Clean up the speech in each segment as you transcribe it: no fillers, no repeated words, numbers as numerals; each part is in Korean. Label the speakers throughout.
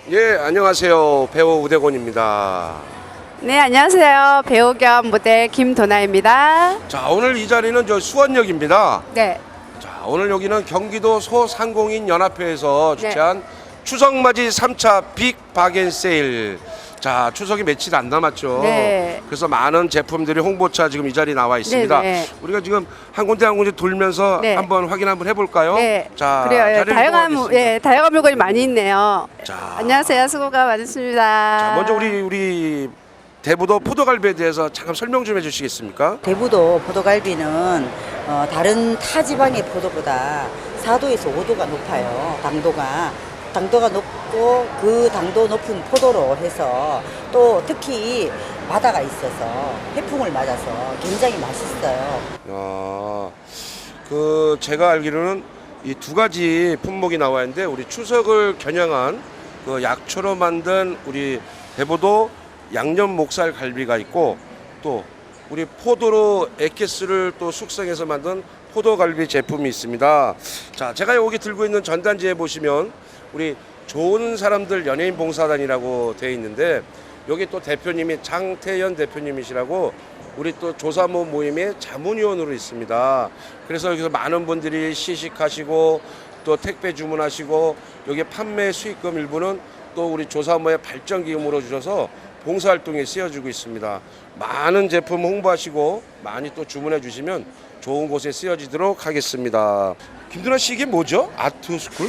Speaker 1: 예, 안녕하세요. 배우 우대곤입니다.
Speaker 2: 네, 안녕하세요. 배우 겸 모델 김도나입니다.
Speaker 1: 자, 오늘 이 자리는 저 수원역입니다.
Speaker 2: 네.
Speaker 1: 자, 오늘 여기는 경기도 소상공인 연합회에서 주최한 추석맞이 3차 빅 바겐 세일. 자, 추석이 며칠 안 남았죠.
Speaker 2: 네.
Speaker 1: 그래서 많은 제품들이 홍보차 지금 이 자리에 나와 있습니다.
Speaker 2: 네.
Speaker 1: 우리가 지금 한 군데 돌면서
Speaker 2: 네.
Speaker 1: 한번 확인 한번 해볼까요?
Speaker 2: 네.
Speaker 1: 자,
Speaker 2: 그래요.
Speaker 1: 자리를 이동하겠습니다.
Speaker 2: 다양한 물건이 많이 있네요.
Speaker 1: 자.
Speaker 2: 안녕하세요. 수고가 많으십니다.
Speaker 1: 자, 먼저 우리 대부도 포도갈비에 대해서 잠깐 설명 좀 해주시겠습니까?
Speaker 3: 대부도 포도갈비는 다른 타 지방의 포도보다 4도에서 5도가 높아요. 당도가 높고 그 당도 높은 포도로 해서 또 특히 바다가 있어서 해풍을 맞아서 굉장히 맛있어요.
Speaker 1: 제가 알기로는 이 두 가지 품목이 나와 있는데 우리 추석을 겨냥한 그 약초로 만든 우리 대부도 양념 목살 갈비가 있고 또 우리 포도로 액기스를 또 숙성해서 만든 포도갈비 제품이 있습니다. 자, 제가 여기 들고 있는 전단지에 보시면 우리 좋은 사람들 연예인 봉사단이라고 되어 있는데 여기 또 대표님이 장태현 대표님이시라고 우리 또 조사모 모임의 자문위원으로 있습니다. 그래서 여기서 많은 분들이 시식하시고 또 택배 주문하시고 여기 판매 수익금 일부는 또 우리 조사모의 발전기금으로 주셔서 봉사활동에 쓰여지고 있습니다. 많은 제품 홍보하시고 많이 또 주문해 주시면 좋은 곳에 쓰여지도록 하겠습니다. 김두나 씨, 이게 뭐죠? 아트스쿨?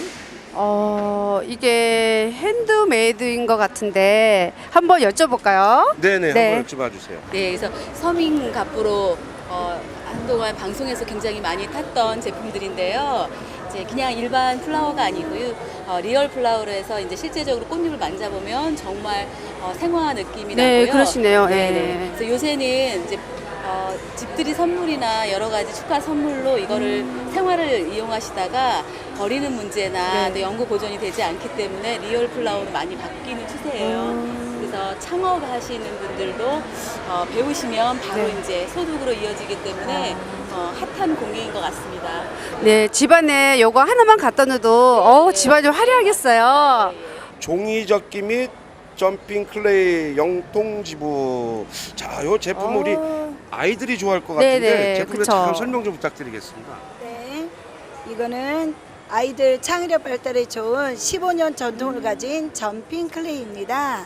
Speaker 2: 이게 핸드메이드인 것 같은데 한번 여쭤볼까요?
Speaker 1: 네네,
Speaker 2: 네.
Speaker 1: 한번 여쭤봐 주세요.
Speaker 4: 네, 그래서 서민갑부로 한동안 방송에서 굉장히 많이 탔던 제품들인데요. 이제 그냥 일반 플라워가 아니고요. 리얼 플라워로 해서 이제 실제적으로 꽃잎을 만져보면 정말 생화 느낌이
Speaker 2: 네,
Speaker 4: 나고요.
Speaker 2: 그러시네요.
Speaker 4: 네,
Speaker 2: 네.
Speaker 4: 네. 그래서 요새는 이제 집들이 선물이나 여러 가지 축하 선물로 이거를 생화를 이용하시다가 버리는 문제나
Speaker 2: 네.
Speaker 4: 또 연구 보존이 되지 않기 때문에 리얼 플라워로 많이 바뀌는 추세예요. 그래서 창업하시는 분들도 배우시면 바로
Speaker 2: 네.
Speaker 4: 이제 소득으로 이어지기 때문에 핫한 공예인 것 같습니다.
Speaker 2: 네, 집안에 요거 하나만 갖다 놔도 집안이 화려하겠어요.
Speaker 1: 종이접기 및 점핑 클레이 영통지부. 자, 요 제품 우리 아이들이 좋아할 것 같은데
Speaker 2: 네네,
Speaker 1: 제품에
Speaker 2: 그쵸.
Speaker 1: 잠깐 설명 좀 부탁드리겠습니다.
Speaker 5: 네, 이거는 아이들 창의력 발달에 좋은 15년 전통을 가진 점핑 클레이입니다.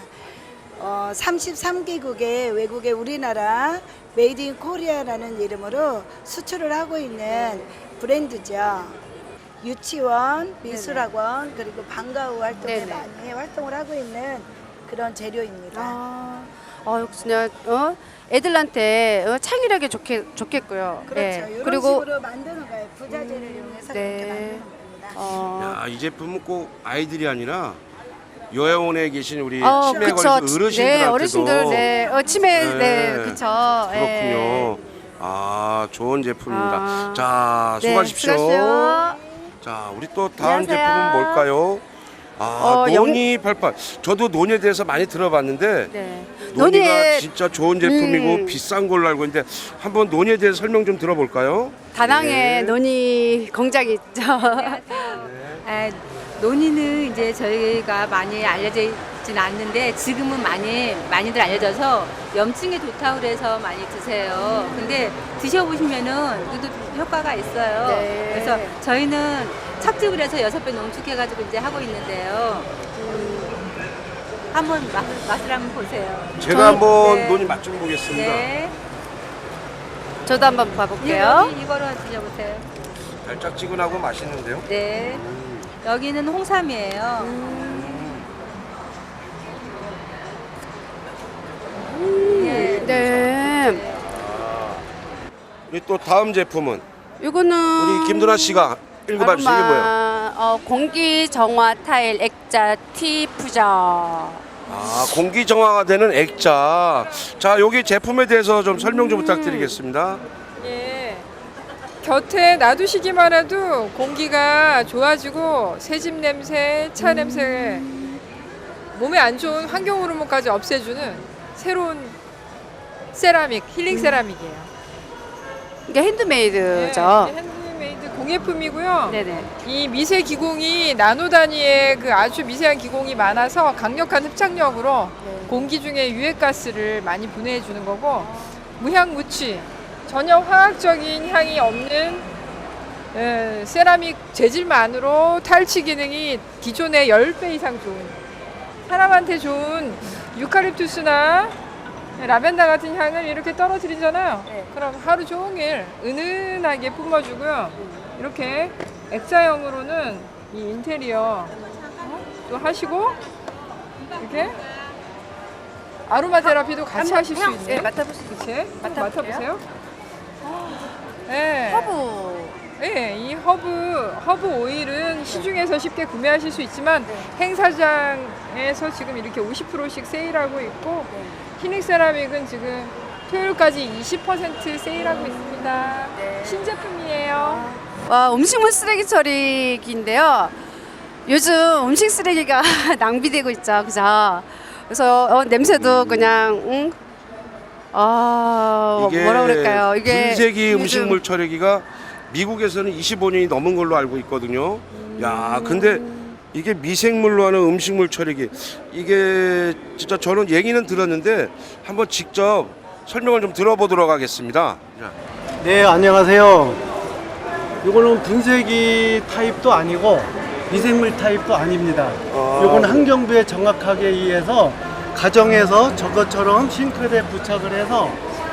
Speaker 5: 33개국의 외국의 우리나라 메이드 인 코리아라는 이름으로 수출을 하고 있는 브랜드죠. 유치원, 미술학원, 그리고 방과후 활동에
Speaker 2: 네네.
Speaker 5: 많이 활동을 하고 있는 그런 재료입니다.
Speaker 2: 역시나 애들한테 창의력이 좋겠고요.
Speaker 5: 그렇죠.
Speaker 2: 네.
Speaker 5: 이런
Speaker 2: 그리고
Speaker 5: 식으로 만드는 거예요. 부자재를 이용해서
Speaker 2: 네.
Speaker 5: 그렇게 만드는 겁니다.
Speaker 1: 야, 이 제품은 꼭 아이들이 아니라 요양원에 계신 우리 치매
Speaker 2: 그쵸.
Speaker 1: 걸린 어르신들한테도
Speaker 2: 네, 어르신들, 네, 치매,
Speaker 1: 네.
Speaker 2: 네, 그쵸.
Speaker 1: 그렇군요.
Speaker 2: 네.
Speaker 1: 좋은 제품입니다.
Speaker 2: 아.
Speaker 1: 자,
Speaker 2: 네,
Speaker 1: 수고하십시오.
Speaker 2: 수고하십시오.
Speaker 1: 자, 우리 또 다음
Speaker 2: 안녕하세요.
Speaker 1: 제품은 뭘까요? 노니 88. 저도 노니에 대해서 많이 들어봤는데
Speaker 2: 네.
Speaker 1: 노니가
Speaker 2: 노니에
Speaker 1: 진짜 좋은 제품이고 비싼 걸로 알고 있는데 한번 노니에 대해서 설명 좀 들어볼까요?
Speaker 2: 다낭에
Speaker 1: 네.
Speaker 2: 논이 공장이 있죠.
Speaker 6: 논의는 이제 저희가 많이 알려져 있진 않는데 지금은 많이들 알려져서 염증에 좋다고 그래서 많이 드세요. 근데 드셔보시면은 그래도 효과가 있어요.
Speaker 2: 네.
Speaker 6: 그래서 저희는 착즙을 해서 6배 농축해가지고 이제 하고 있는데요. 한번 맛을 한번 보세요.
Speaker 1: 제가 한번
Speaker 6: 네.
Speaker 1: 노니 맛 좀 보겠습니다.
Speaker 6: 네.
Speaker 2: 저도 한번 봐볼게요.
Speaker 6: 이거로 드셔보세요.
Speaker 1: 달짝지근하고 맛있는데요.
Speaker 6: 네. 여기는 홍삼이에요.
Speaker 2: 네.
Speaker 1: 우리 또 다음 제품은
Speaker 2: 이거는
Speaker 1: 우리 김두나 씨가 읽어봐 주세요. 이게 뭐예요?
Speaker 2: 공기 정화 타일 액자 티 푸저.
Speaker 1: 공기 정화가 되는 액자. 자, 여기 제품에 대해서 좀 설명 좀 부탁드리겠습니다.
Speaker 7: 예. 곁에 놔두시기만 해도 공기가 좋아지고 새집 냄새, 차 냄새, 몸에 안 좋은 환경 호르몬까지 없애주는 새로운 세라믹, 힐링 세라믹이에요.
Speaker 2: 이게 핸드메이드죠.
Speaker 7: 네, 핸드메이드 공예품이고요.
Speaker 2: 네네.
Speaker 7: 이 미세 기공이 나노 단위의 그 아주 미세한 기공이 많아서 강력한 흡착력으로 공기 중에 유해가스를 많이 분해해 주는 거고, 무향무취, 전혀 화학적인 향이 없는 세라믹 재질만으로 탈취 기능이 기존의 10배 이상 좋은, 사람한테 좋은 유칼립투스나 라벤더 같은 향을 이렇게 떨어뜨리잖아요. 그럼 하루 종일 은은하게 뿜어주고요. 이렇게 액자형으로는 이 인테리어 또 하시고, 이렇게 아로마 테라피도 같이 하실 수 있네요.
Speaker 2: 네, 맡아보시죠.
Speaker 7: 그치?
Speaker 2: 맡아볼게요.
Speaker 7: 맡아보세요. 네.
Speaker 2: 허브.
Speaker 7: 네, 이 허브 오일은 시중에서 쉽게 구매하실 수 있지만 행사장에서 지금 이렇게 50%씩 세일하고 있고, 히닉 세라믹은 지금 토요일까지 20% 세일하고 있습니다. 신제품이에요.
Speaker 2: 와, 음식물 쓰레기 처리기인데요. 요즘 음식 쓰레기가 낭비되고 있죠, 그죠? 그래서 냄새도 그냥
Speaker 1: 이게
Speaker 2: 뭐라 그럴까요? 이게
Speaker 1: 분쇄기
Speaker 2: 요즘-
Speaker 1: 음식물 처리기가 미국에서는 25년이 넘은 걸로 알고 있거든요. 야, 근데 이게 미생물로 하는 음식물 처리기, 이게 진짜 저는 얘기는 들었는데 한번 직접 설명을 좀 들어보도록 하겠습니다. 자.
Speaker 8: 네, 안녕하세요. 이거는 분쇄기 타입도 아니고 미생물 타입도 아닙니다. 이건 환경부에 정확하게 의해서 가정에서 저것처럼 싱크대에 부착을 해서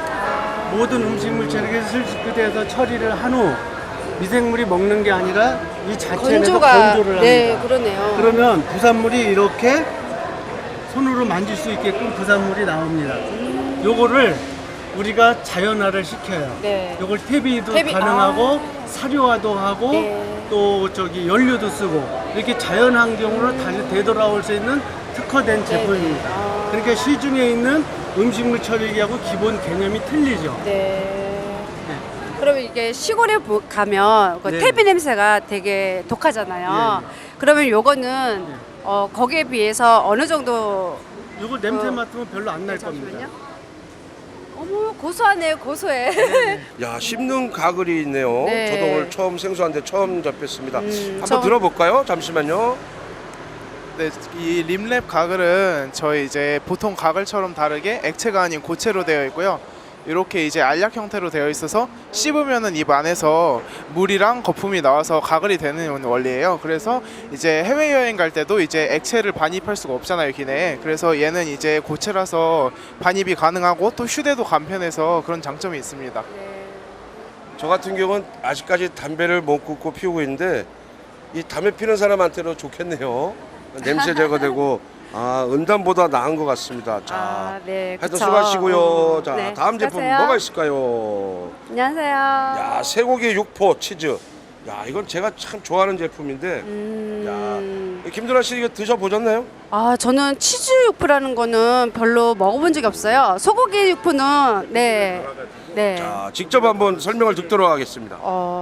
Speaker 8: 모든 음식물 처리기를 실시돼서 처리를 한 후 미생물이 먹는 게 아니라 이 자체에서 건조를 합니다.
Speaker 2: 네, 그러네요.
Speaker 8: 그러면 부산물이 이렇게 손으로 만질 수 있게끔 부산물이 나옵니다. 요거를 우리가 자연화를 시켜요.
Speaker 2: 네.
Speaker 8: 요걸 퇴비도
Speaker 2: 퇴비,
Speaker 8: 가능하고 사료화도 하고
Speaker 2: 네.
Speaker 8: 또 저기 연료도 쓰고 이렇게 자연 환경으로 다시 되돌아올 수 있는 특화된 제품입니다. 그러니까 시중에 있는 음식물 처리기하고 기본 개념이 틀리죠.
Speaker 2: 네. 그러면 이게 시골에 가면 그
Speaker 8: 네.
Speaker 2: 퇴비 냄새가 되게 독하잖아요. 그러면 요거는 거기에 비해서 어느 정도?
Speaker 8: 요거 냄새 맡으면 별로 안 날 겁니다.
Speaker 2: 잠시만요. 어머, 고소하네요, 고소해.
Speaker 1: 야, 씹는 가글이 있네요.
Speaker 2: 네.
Speaker 1: 저도 오늘 처음 생소한데 처음 접했습니다. 한번
Speaker 2: 처음-
Speaker 1: 들어볼까요? 잠시만요.
Speaker 9: 네, 이 림랩 가글은 저희 이제 보통 가글처럼 다르게 액체가 아닌 고체로 되어 있고요. 이렇게 이제 알약 형태로 되어 있어서 씹으면은 입 안에서 물이랑 거품이 나와서 가글이 되는 원리예요. 그래서 이제 해외 여행 갈 때도 이제 액체를 반입할 수가 없잖아요, 기내에. 그래서 얘는 이제 고체라서 반입이 가능하고 또 휴대도 간편해서 그런 장점이 있습니다.
Speaker 1: 저 같은 경우는 아직까지 담배를 못 끊고 피우고 있는데 이 담배 피는 사람한테는 좋겠네요. 냄새 제거되고 은담보다 나은 것 같습니다. 자,
Speaker 2: 네,
Speaker 1: 하여튼
Speaker 2: 그쵸.
Speaker 1: 수고하시고요. 자,
Speaker 2: 네,
Speaker 1: 다음 제품
Speaker 2: 수고하세요.
Speaker 1: 뭐가 있을까요?
Speaker 2: 안녕하세요.
Speaker 1: 야, 쇠고기 육포 치즈. 야, 이건 제가 참 좋아하는 제품인데. 야, 김도라 씨 이거 드셔보셨나요?
Speaker 2: 저는 치즈 육포라는 거는 별로 먹어본 적이 없어요. 소고기 육포는 네.
Speaker 1: 자, 직접 한번 설명을 듣도록 하겠습니다.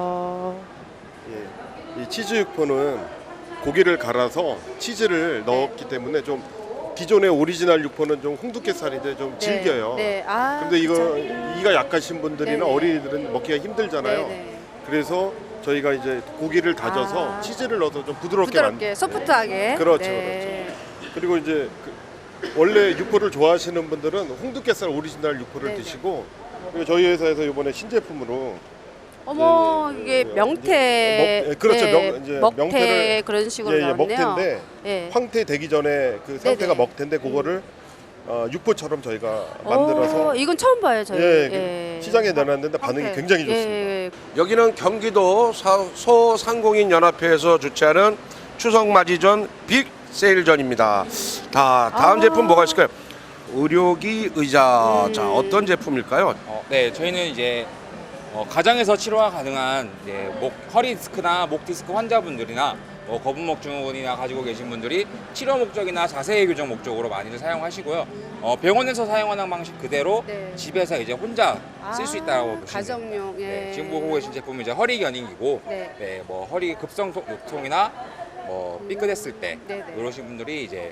Speaker 10: 이 치즈 육포는 고기를 갈아서 치즈를 넣었기 때문에 좀 기존의 오리지널 육포는 좀 홍두깨살인데 좀 질겨요.
Speaker 2: 네.
Speaker 10: 근데 이거
Speaker 2: 그쵸.
Speaker 10: 이가 약하신 분들이나
Speaker 2: 네네.
Speaker 10: 어린이들은 먹기가 힘들잖아요.
Speaker 2: 네네.
Speaker 10: 그래서 저희가 이제 고기를 다져서 치즈를 넣어서 좀 부드럽게
Speaker 2: 부드럽게, 소프트하게.
Speaker 10: 그렇죠,
Speaker 2: 네.
Speaker 10: 그리고 이제 원래 육포를 좋아하시는 분들은 홍두깨살 오리지널 육포를
Speaker 2: 네네.
Speaker 10: 드시고, 그리고 저희 회사에서 이번에 신제품으로
Speaker 2: 어머, 이게 명태.
Speaker 10: 그렇죠.
Speaker 2: 네,
Speaker 10: 이제
Speaker 2: 먹태
Speaker 10: 명태를
Speaker 2: 그런 식으로 나왔네요.
Speaker 10: 먹태인데
Speaker 2: 네.
Speaker 10: 황태 되기 전에 그 상태가
Speaker 2: 네네.
Speaker 10: 먹태인데 그거를 육포처럼 저희가 만들어서
Speaker 2: 이건 처음 봐요, 저희.
Speaker 10: 그 시장에 내놨는데 반응이 굉장히 좋습니다.
Speaker 2: 예.
Speaker 1: 여기는 경기도 소상공인 연합회에서 주최하는 추석 맞이 전 빅 세일전입니다. 다음 제품 뭐가 있을까요? 의료기 의자. 자, 어떤 제품일까요?
Speaker 11: 네, 저희는 이제 가정에서 치료가 가능한 이제 허리 디스크나 목 디스크 환자분들이나 거북목 증후군이나 가지고 계신 분들이 치료 목적이나 자세 교정 목적으로 많이들 사용하시고요. 병원에서 사용하는 방식 그대로
Speaker 2: 네.
Speaker 11: 집에서 이제 혼자 쓸 수 있다고 보시면 됩니다.
Speaker 2: 가정용. 예.
Speaker 11: 네, 지금 보고 계신 제품은 이제 허리 견인기고,
Speaker 2: 네.
Speaker 11: 뭐 허리 급성 요통이나 뭐 삐끗했을 때
Speaker 2: 네네.
Speaker 11: 이러신 분들이 이제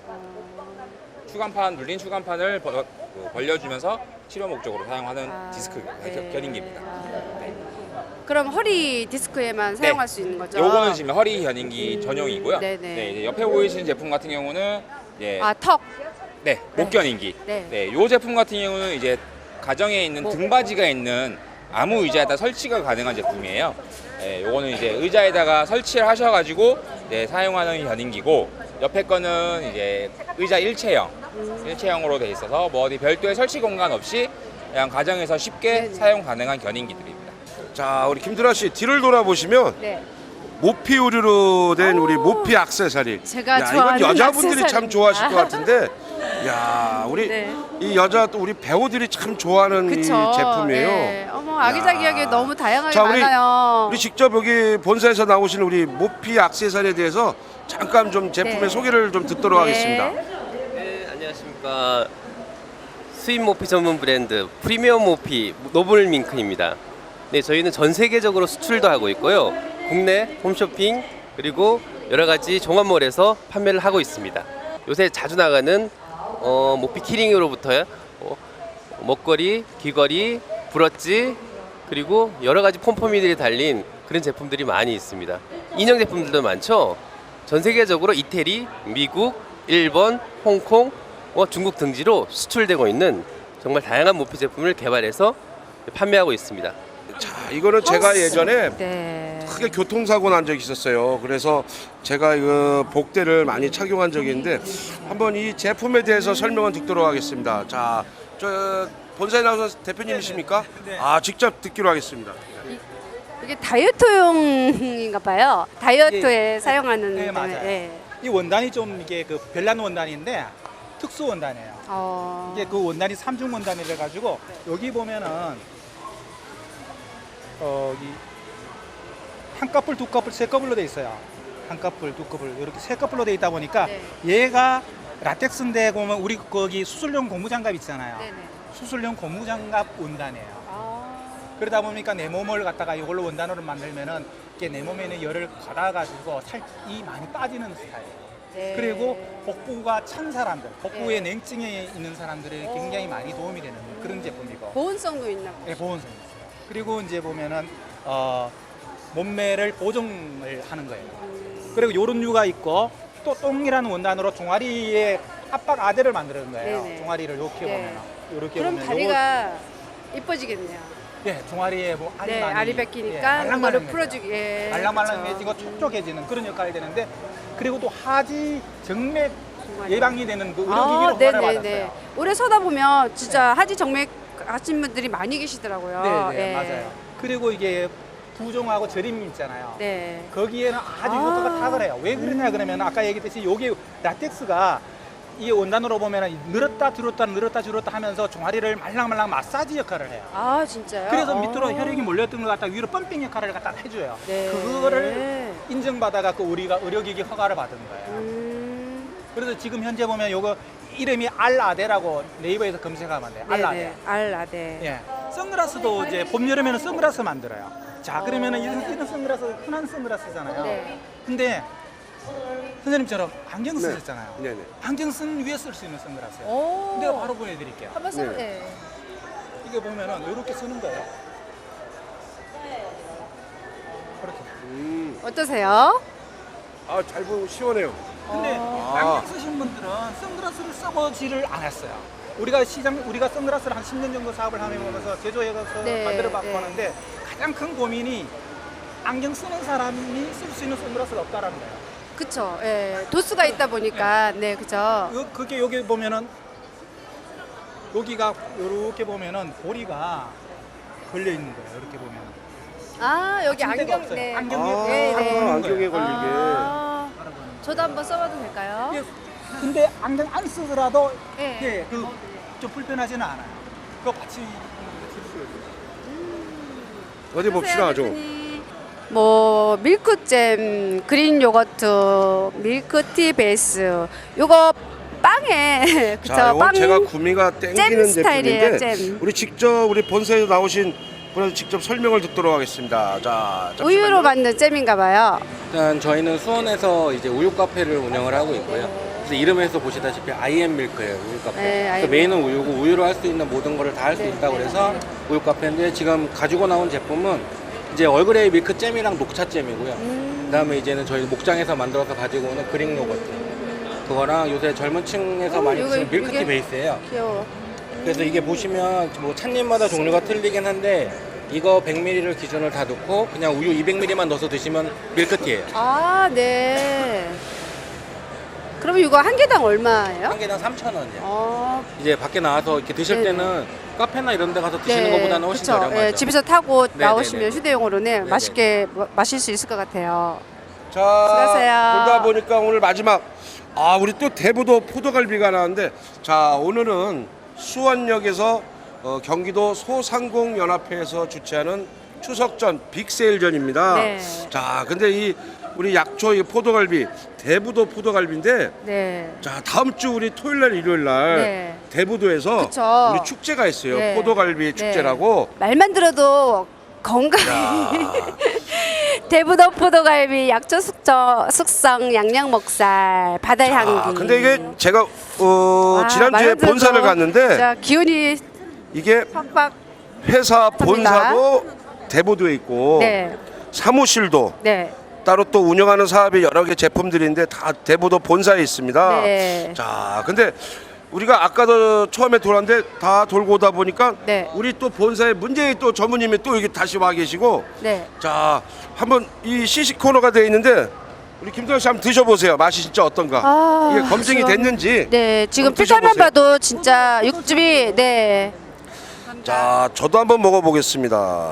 Speaker 11: 눌린 추간판을 벌려주면서 치료 목적으로 사용하는 디스크 견인기입니다.
Speaker 2: 네. 그럼 허리 디스크에만 사용할 수 있는 거죠?
Speaker 11: 요거는 지금 허리 겨닝기 전용이고요.
Speaker 2: 네네.
Speaker 11: 네, 이제 옆에 보이시는 제품 같은 경우는 예,
Speaker 2: 아, 턱.
Speaker 11: 네, 목 겨닝기.
Speaker 2: 네.
Speaker 11: 네, 요 제품 같은 경우는 이제 가정에 있는 등받이가 있는 아무 의자에다 설치가 가능한 제품이에요. 네, 요거는 이제 의자에다가 설치를 하셔가지고 네, 사용하는 겨닝기고 옆에 거는 이제 의자 일체형으로 돼 있어서 뭐 어디 별도의 설치 공간 없이 그냥 가정에서 쉽게 사용 가능한 겨닝기들입니다.
Speaker 1: 자, 우리 김드라 씨 뒤를 돌아보시면
Speaker 2: 네.
Speaker 1: 모피 의류로 된 우리 모피 액세서리.
Speaker 2: 제가
Speaker 1: 야,
Speaker 2: 좋아하는
Speaker 1: 이건 여자분들이 참
Speaker 2: 액세서리입니다.
Speaker 1: 좋아하실 것 같은데. 야, 우리
Speaker 2: 네.
Speaker 1: 이 여자 또 우리 배우들이 참 좋아하는 이
Speaker 2: 그쵸.
Speaker 1: 제품이에요.
Speaker 2: 네. 어머, 아기자기하게 너무 다양하게
Speaker 1: 자, 우리
Speaker 2: 많아요.
Speaker 1: 우리 직접 여기 본사에서 나오신 우리 모피 액세서리에 대해서 잠깐 좀 제품의
Speaker 2: 네.
Speaker 1: 소개를 좀 듣도록
Speaker 2: 네.
Speaker 1: 하겠습니다.
Speaker 12: 네, 안녕하십니까. 수입 모피 전문 브랜드 프리미엄 모피 노블밍크입니다. 네, 저희는 전 세계적으로 수출도 하고 있고요. 국내 홈쇼핑 그리고 여러 가지 종합몰에서 판매를 하고 있습니다. 요새 자주 나가는 모피 키링으로부터 먹거리, 귀걸이, 브러치 그리고 여러 가지 폼포미들이 달린 그런 제품들이 많이 있습니다. 인형 제품들도 많죠. 전 세계적으로 이태리, 미국, 일본, 홍콩, 중국 등지로 수출되고 있는 정말 다양한 모피 제품을 개발해서 판매하고 있습니다.
Speaker 1: 자, 이거는 제가 예전에
Speaker 2: 네.
Speaker 1: 크게 교통사고 난 적이 있었어요. 그래서 제가 그 복대를 많이 착용한 적이 있는데 한번 이 제품에 대해서 설명을 듣도록 하겠습니다. 자, 저 본사에 나오신 대표님이십니까?
Speaker 13: 네.
Speaker 1: 아, 직접 듣기로 하겠습니다.
Speaker 2: 이게 다이어트용인가 봐요. 다이어트에 사용하는.
Speaker 13: 네, 맞아요.
Speaker 2: 네.
Speaker 13: 이 원단이 좀 이게 그 별난 원단인데 특수 원단이에요. 이게 그 원단이 삼중 원단이라 가지고 여기 보면은 이 한 커플, 두 커플, 세 커플로 돼 있어요. 한 커플, 두 커플 이렇게 세 커플로 돼 있다 보니까
Speaker 2: 네.
Speaker 13: 얘가 라텍스인데 보면 우리 거기 수술용 고무장갑 있잖아요.
Speaker 2: 네네.
Speaker 13: 수술용 고무장갑 원단이에요. 그러다 보니까 내 몸을 갖다가 이걸로 원단으로 만들면은 이게 내 몸에 있는 열을 받아가지고 살이 많이 빠지는 스타일이에요.
Speaker 2: 네.
Speaker 13: 그리고 복부가 찬 사람들, 복부에
Speaker 2: 네.
Speaker 13: 냉증에 있는 사람들이 굉장히 많이 도움이 되는 그런 제품이고.
Speaker 2: 보온성도 있나 봐요.
Speaker 13: 네, 보온성이 있어요. 그리고 이제 보면은 몸매를 보정을 하는 거예요. 그리고 요런 류가 있고 또 똥이라는 원단으로 종아리에 압박 아대를 만드는 거예요.
Speaker 2: 네네.
Speaker 13: 종아리를 이렇게
Speaker 2: 네.
Speaker 13: 보면 이렇게
Speaker 2: 그럼
Speaker 13: 보면
Speaker 2: 다리가 이뻐지겠네요.
Speaker 13: 예, 종아리에 뭐 알이
Speaker 2: 네,
Speaker 13: 많이
Speaker 2: 알이 뺏기니까 그거를
Speaker 13: 말랑말랑해져요.
Speaker 2: 풀어주기. 예,
Speaker 13: 말랑말랑해지고
Speaker 2: 그쵸.
Speaker 13: 촉촉해지는 그런 역할이 되는데 그리고 또 하지 정맥 예방이 되는 그
Speaker 2: 아,
Speaker 13: 의료기기로 허가를
Speaker 2: 네네네.
Speaker 13: 받았어요.
Speaker 2: 오래 서다 보면 진짜 하지 정맥 하신 분들이 많이 계시더라고요.
Speaker 13: 네,
Speaker 2: 예.
Speaker 13: 맞아요. 그리고 이게 부종하고 저림 있잖아요.
Speaker 2: 네.
Speaker 13: 거기에는 아주 효과가 탁월해요. 왜 그러냐 그러면 아까 얘기했듯이 여기 라텍스가 이 원단으로 보면 늘었다 들었다 늘었다 줄었다 하면서 종아리를 말랑말랑 마사지 역할을 해요.
Speaker 2: 아, 진짜요?
Speaker 13: 그래서 밑으로 혈액이 몰렸던 걸 갖다 위로 펌핑 역할을 갖다 해줘요.
Speaker 2: 네.
Speaker 13: 그거를 인정받아갖고 우리가 의료기기 허가를 받은 거예요. 그래서 지금 현재 보면 요거 이름이 알라데라고 네이버에서 검색하면 돼요. 알라데.
Speaker 2: 네네. 알라데.
Speaker 13: 예. 선글라스도 이제 봄 여름에는 선글라스 만들어요. 자, 그러면은 이런 선글라스 흔한 선글라스잖아요.
Speaker 2: 네.
Speaker 13: 근데 선생님처럼 안경
Speaker 1: 네.
Speaker 13: 쓰셨잖아요.
Speaker 1: 네네.
Speaker 13: 안경 쓴 위에 쓸 수 있는 선글라스예요.
Speaker 2: 오.
Speaker 13: 내가 바로 보여드릴게요.
Speaker 2: 한번 써.
Speaker 1: 네.
Speaker 2: 네.
Speaker 13: 이게 보면은 이렇게 쓰는 거예요. 그렇게.
Speaker 2: 어떠세요?
Speaker 1: 아, 잘 보고 시원해요.
Speaker 13: 근데 안경 쓰신 분들은 선글라스를 써보지를 않았어요. 우리가 선글라스를 한 10년 정도 사업을 하면서 제조해서
Speaker 2: 네,
Speaker 13: 만들어 봤고
Speaker 2: 네.
Speaker 13: 하는데 가장 큰 고민이 안경 쓰는 사람이 쓸 수 있는 선글라스가 없다라는 거예요.
Speaker 2: 그쵸. 예. 도수가 있다 보니까. 네, 그죠.
Speaker 13: 그게 여기 보면은 여기가 이렇게 보면은 고리가 걸려 있는 거예요. 이렇게 보면.
Speaker 2: 아, 여기
Speaker 13: 받침대가
Speaker 2: 안경.
Speaker 13: 없어요.
Speaker 2: 네.
Speaker 13: 안경에
Speaker 2: 네,
Speaker 13: 바로
Speaker 2: 네.
Speaker 13: 보는
Speaker 1: 안경에
Speaker 13: 거예요.
Speaker 1: 걸리게.
Speaker 2: 아, 저도 한번 써봐도 될까요?
Speaker 13: 예, 근데 안경 안 쓰더라도
Speaker 2: 네.
Speaker 13: 예, 좀 불편하지는 않아요. 그거 같이
Speaker 1: 어디 봅시다, 좀.
Speaker 2: 뭐 밀크잼, 그린 요거트, 밀크티 베이스. 요거 빵에 그쵸?
Speaker 1: 자, 이건
Speaker 2: 빵
Speaker 1: 제가 구미가 땡기는
Speaker 2: 스타일이에요,
Speaker 1: 제품인데
Speaker 2: 잼.
Speaker 1: 우리 직접 우리 본사에 나오신 분한테 직접 설명을 듣도록 하겠습니다. 자, 잠시만요.
Speaker 2: 우유로 만든 잼인가 봐요.
Speaker 14: 일단 저희는 수원에서 이제 우유 카페를 운영을 하고 있고요. 그래서 이름에서 보시다시피 IM 밀크예요, 우유 카페.
Speaker 2: 네,
Speaker 14: 그래서 메인은 우유고 우유로 할 수 있는 모든 거를 다 할 수 있다고 그래서 우유 카페인데 지금 가지고 나온 제품은 이제 얼그레이 밀크 잼이랑 녹차 잼이고요. 그다음에 이제는 저희 목장에서 만들어서 가지고 오는 그릭 요거트. 그거랑 요새 젊은 층에서 많이
Speaker 2: 이거,
Speaker 14: 드시는 밀크티
Speaker 2: 이게
Speaker 14: 베이스예요.
Speaker 2: 귀여워.
Speaker 14: 그래서 이게 보시면 뭐 찻잎마다 종류가 틀리긴 한데 이거 100ml를 기준으로 다 넣고 그냥 우유 200ml만 넣어서 드시면 밀크티예요.
Speaker 2: 아, 네. 그럼 이거 한 개당 얼마예요?
Speaker 14: 한 개당 3,000원이요.
Speaker 2: 어,
Speaker 14: 이제 밖에 나와서 이렇게 드실
Speaker 2: 네네.
Speaker 14: 때는 카페나 이런 데 가서 드시는 것보다는 훨씬
Speaker 2: 그쵸.
Speaker 14: 저렴하죠.
Speaker 2: 예, 집에서 타고
Speaker 14: 네네네.
Speaker 2: 나오시면 휴대용으로는 맛있게 마실 수 있을 것 같아요.
Speaker 1: 자,
Speaker 2: 수고하세요.
Speaker 1: 돌다 보니까 오늘 마지막 우리 또 대부도 포도갈비가 나왔는데 자, 오늘은 수원역에서 경기도 소상공연합회에서 주최하는 추석전 빅세일전입니다.
Speaker 2: 네.
Speaker 1: 자, 근데 이 우리 약초 이 포도갈비 대부도 포도갈비인데
Speaker 2: 네.
Speaker 1: 자, 다음 주 우리 토요일 날 일요일 날
Speaker 2: 네.
Speaker 1: 대부도에서
Speaker 2: 그쵸.
Speaker 1: 우리 축제가 있어요.
Speaker 2: 네.
Speaker 1: 포도갈비
Speaker 2: 네.
Speaker 1: 축제라고.
Speaker 2: 말만 들어도 건강이 대부도 포도갈비 약초 숙성 양념 목살 바다 향기.
Speaker 1: 근데 이게 제가 지난주에
Speaker 2: 말만 들어도
Speaker 1: 본사를 갔는데
Speaker 2: 진짜 기운이
Speaker 1: 이게
Speaker 2: 팍팍.
Speaker 1: 회사 본사도 대부도에 있고
Speaker 2: 네.
Speaker 1: 사무실도
Speaker 2: 네.
Speaker 1: 따로 또 운영하는 사업이 여러 개 제품들인데 다 대부도 본사에 있습니다.
Speaker 2: 네.
Speaker 1: 자, 근데 우리가 아까도 처음에 돌았는데 다 돌고 오다 보니까
Speaker 2: 네.
Speaker 1: 우리 또 본사에 문재인 또 전무님이 또 여기 다시 와 계시고
Speaker 2: 네.
Speaker 1: 자, 한번 이 시식 코너가 돼 있는데 우리 김도현 씨 한번 드셔보세요. 맛이 진짜 어떤가? 이게 검증이
Speaker 2: 지금,
Speaker 1: 됐는지.
Speaker 2: 네, 지금
Speaker 1: 한번
Speaker 2: 필살만
Speaker 1: 드셔보세요.
Speaker 2: 봐도 진짜 육즙이 네.
Speaker 1: 자, 저도 한번 먹어보겠습니다.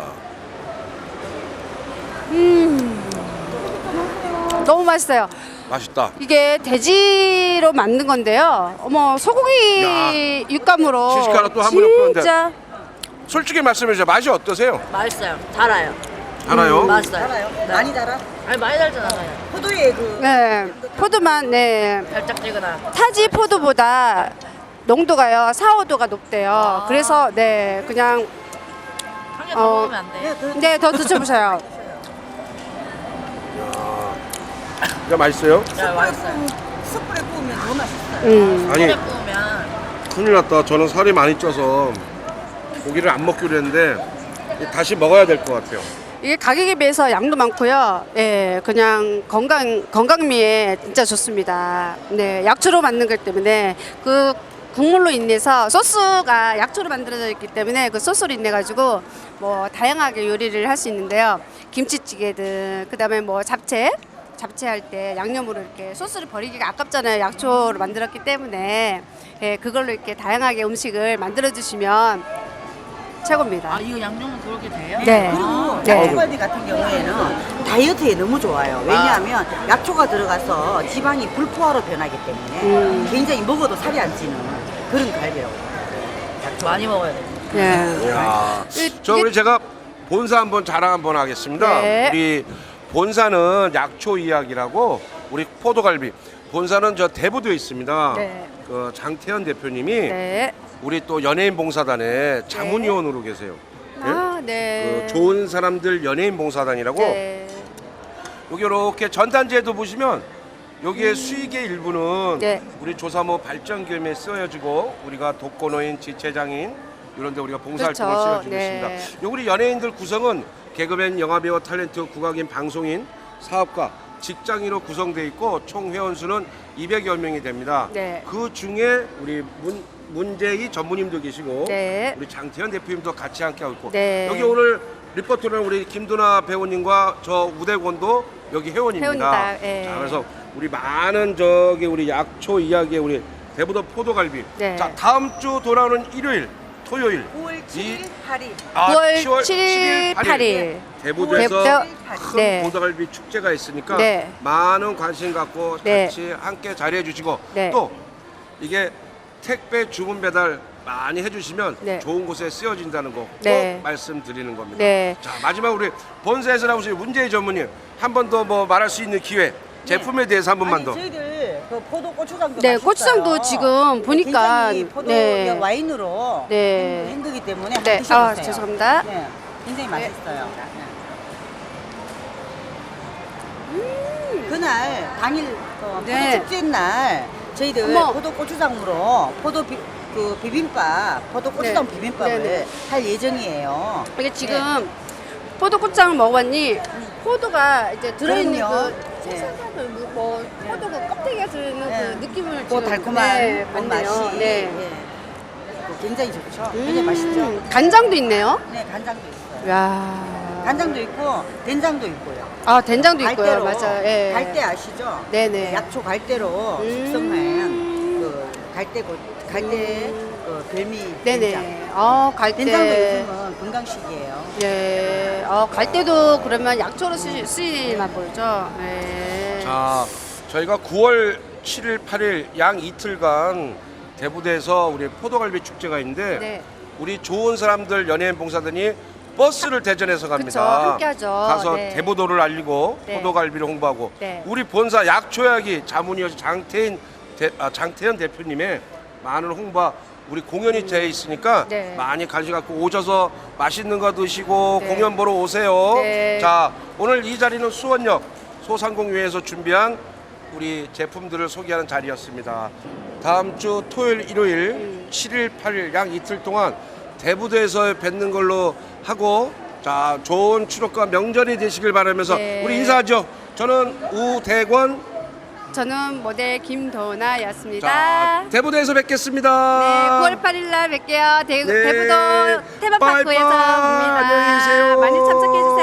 Speaker 2: 너무 맛있어요.
Speaker 1: 맛있다.
Speaker 2: 이게 돼지로 만든 건데요. 어머, 소고기 육감으로
Speaker 1: 시식 하나 또 한 번 엮었는데.
Speaker 2: 진짜
Speaker 1: 솔직히 말씀해 주세요. 맛이 어떠세요?
Speaker 15: 맛있어요. 달아요.
Speaker 1: 알아요?
Speaker 15: 맛있어요.
Speaker 3: 달아요? 많이 달아?
Speaker 15: 아니 많이 달잖아요.
Speaker 3: 포도의 그
Speaker 2: 네, 포도만 네.
Speaker 15: 달짝지근한.
Speaker 2: 타지 포도보다 농도가요 4, 5도가 높대요. 그래서 네 그냥
Speaker 15: 한 개 더 먹으면 안 돼.
Speaker 2: 네, 더 드셔보세요.
Speaker 1: 진짜 맛있어요?
Speaker 15: 네, 맛있어요.
Speaker 3: 숯불에 구우면 더 맛있어요.
Speaker 1: 아니,
Speaker 15: 물에 구우면
Speaker 1: 큰일 났다. 저는 살이 많이 쪄서 고기를 안 먹기로 했는데 다시 먹어야 될 것 같아요.
Speaker 2: 이게 가격에 비해서 양도 많고요. 예, 그냥 건강미에 진짜 좋습니다. 네, 약초로 만든 것 때문에 그 국물로 인해서 소스가 약초로 만들어져 있기 때문에 그 소스로 인해 가지고 뭐 다양하게 요리를 할 수 있는데요. 김치찌개든 그다음에 뭐 잡채할 때 양념으로 이렇게 소스를 버리기가 아깝잖아요. 약초로 만들었기 때문에 예, 그걸로 이렇게 다양하게 음식을 만들어 주시면 최고입니다.
Speaker 15: 아 이거 양념은 그렇게 돼요?
Speaker 2: 네.
Speaker 3: 그리고
Speaker 2: 네.
Speaker 3: 약초갈비 같은 경우에는 다이어트에 너무 좋아요. 왜냐하면 약초가 들어가서 지방이 불포화로 변하기 때문에 굉장히 먹어도 살이 안 찌는 그런 갈비라고.
Speaker 15: 약초 많이 먹어야 돼.
Speaker 2: 네.
Speaker 1: 이야. 저 우리 제가 본사 한번 자랑 한번 하겠습니다.
Speaker 2: 네.
Speaker 1: 우리 본사는 약초 이야기라고 우리 포도갈비 본사는 저 대부도에 있습니다.
Speaker 2: 네.
Speaker 1: 그 장태현 대표님이
Speaker 2: 네.
Speaker 1: 우리 또 연예인 봉사단의 자문위원으로 계세요. 예?
Speaker 2: 아, 네.
Speaker 1: 그 좋은 사람들 연예인 봉사단이라고
Speaker 2: 네.
Speaker 1: 여기 이렇게 전단지에도 보시면 여기에 수익의 일부는
Speaker 2: 네.
Speaker 1: 우리 조사모 발전기금에 쓰여지고 우리가 독거노인, 지체장애인 이런 데 우리가 봉사활동을
Speaker 2: 그렇죠.
Speaker 1: 쓰여주고
Speaker 2: 네.
Speaker 1: 있습니다. 우리 연예인들 구성은 개그맨, 영화배우, 탤런트, 국악인, 방송인, 사업가, 직장인으로 구성되어 있고 총 회원수는 200여 명이 됩니다.
Speaker 2: 네.
Speaker 1: 그 중에 우리 문재희 전무님도 계시고
Speaker 2: 네.
Speaker 1: 우리 장태현 대표님도 같이 함께 하고 있고
Speaker 2: 네.
Speaker 1: 여기 오늘 리포터는 우리 김두나 배우님과 저 우대권도 여기 회원입니다.
Speaker 2: 회원이다. 예.
Speaker 1: 자, 그래서 우리 많은 저기 우리 약초 이야기에 우리 대부도 포도갈비.
Speaker 2: 네.
Speaker 1: 자, 다음 주 돌아오는 일요일, 토요일
Speaker 3: 9월 7일, 8일.
Speaker 2: 9월
Speaker 1: 10월
Speaker 2: 7일, 8일.
Speaker 1: 대부도에서
Speaker 2: 대부도,
Speaker 1: 큰
Speaker 2: 네.
Speaker 1: 포도갈비 축제가 있으니까
Speaker 2: 네.
Speaker 1: 많은 관심 갖고
Speaker 2: 네.
Speaker 1: 같이 함께 자리해 주시고
Speaker 2: 네.
Speaker 1: 또 이게 택배 주문 배달 많이 해주시면
Speaker 2: 네.
Speaker 1: 좋은 곳에 쓰여진다는 거 꼭
Speaker 2: 네.
Speaker 1: 말씀드리는 겁니다.
Speaker 2: 네.
Speaker 1: 자, 마지막 우리 본사에서 나오신 문재희 전무님 한 번 더 뭐 말할 수 있는 기회 제품에 대해서 한 번만 더.
Speaker 3: 저희들 그 포도 고추장도
Speaker 2: 네,
Speaker 3: 맛있어요.
Speaker 2: 고추장도 지금 보니까
Speaker 3: 굉장히 포도
Speaker 2: 네.
Speaker 3: 와인으로
Speaker 2: 네.
Speaker 3: 힘들기 때문에
Speaker 2: 네.
Speaker 3: 한번 드셔보세요.
Speaker 2: 아, 죄송합니다.
Speaker 3: 네, 굉장히 맛있어요. 그날 당일
Speaker 2: 네.
Speaker 3: 포도 축제 날 저희들
Speaker 2: 어머.
Speaker 3: 포도 고추장으로 그 비빔밥, 포도 고추장
Speaker 2: 네.
Speaker 3: 비빔밥을
Speaker 2: 네, 네.
Speaker 3: 할 예정이에요.
Speaker 2: 이게 지금 포도꽃장을 먹어봤니? 포도가 이제 들어있는
Speaker 3: 그럼요.
Speaker 2: 그
Speaker 3: 네.
Speaker 2: 색색한 뭐 포도 그 껍데기가 들어있는
Speaker 3: 네.
Speaker 2: 그 느낌을
Speaker 3: 그
Speaker 2: 지금
Speaker 3: 달콤한
Speaker 2: 네,
Speaker 3: 그
Speaker 2: 맞네요.
Speaker 3: 맛이
Speaker 2: 네.
Speaker 3: 예. 굉장히 좋죠. 굉장히 맛있죠.
Speaker 2: 간장도 있네요.
Speaker 3: 네, 간장도 있어요.
Speaker 2: 야.
Speaker 3: 간장도 있고 된장도 있고요.
Speaker 2: 아 된장도 있고요.
Speaker 3: 갈대로,
Speaker 2: 맞아요. 예.
Speaker 3: 갈대 아시죠?
Speaker 2: 네네.
Speaker 3: 약초 갈대로 숙성한 그 갈대 그 별미
Speaker 2: 네네.
Speaker 3: 된장.
Speaker 2: 갈대.
Speaker 3: 된장도 요즘은 건강식이에요.
Speaker 2: 예. 갈대도 그러면 약초로 쓰이나 보죠. 예.
Speaker 1: 자, 저희가 9월 7일, 8일 양 이틀간 대부대에서 우리 포도갈비 축제가 있는데
Speaker 2: 네.
Speaker 1: 우리 좋은 사람들 연예인 봉사단이 버스를 대전해서
Speaker 2: 그쵸,
Speaker 1: 갑니다.
Speaker 2: 함께하죠.
Speaker 1: 가서
Speaker 2: 네.
Speaker 1: 대부도를 알리고
Speaker 2: 네.
Speaker 1: 포도갈비를 홍보하고
Speaker 2: 네.
Speaker 1: 우리 본사 약초약이 자문위원 장태현 대표님의 많은 홍보 우리 공연이 돼 있으니까
Speaker 2: 네.
Speaker 1: 많이 관심 갖고 오셔서 맛있는 거 드시고
Speaker 2: 네.
Speaker 1: 공연 보러 오세요.
Speaker 2: 네.
Speaker 1: 자, 오늘 이 자리는 수원역 소상공회에서 준비한 우리 제품들을 소개하는 자리였습니다. 다음 주 토요일, 일요일 7일, 8일 양 이틀 동안 대부도에서 뵙는 걸로 하고 자, 좋은 추석과 명절이 되시길 바라면서
Speaker 2: 네.
Speaker 1: 우리 인사하죠. 저는 우대권
Speaker 2: 저는 모델 김도나였습니다.
Speaker 1: 자, 대부도에서 뵙겠습니다.
Speaker 2: 네, 9월 8일 날 뵐게요.
Speaker 1: 네.
Speaker 2: 대부도 테마파크에서
Speaker 1: 빠이빠이.
Speaker 2: 봅니다.
Speaker 1: 안녕히 계세요.
Speaker 2: 많이 참석해 주세요.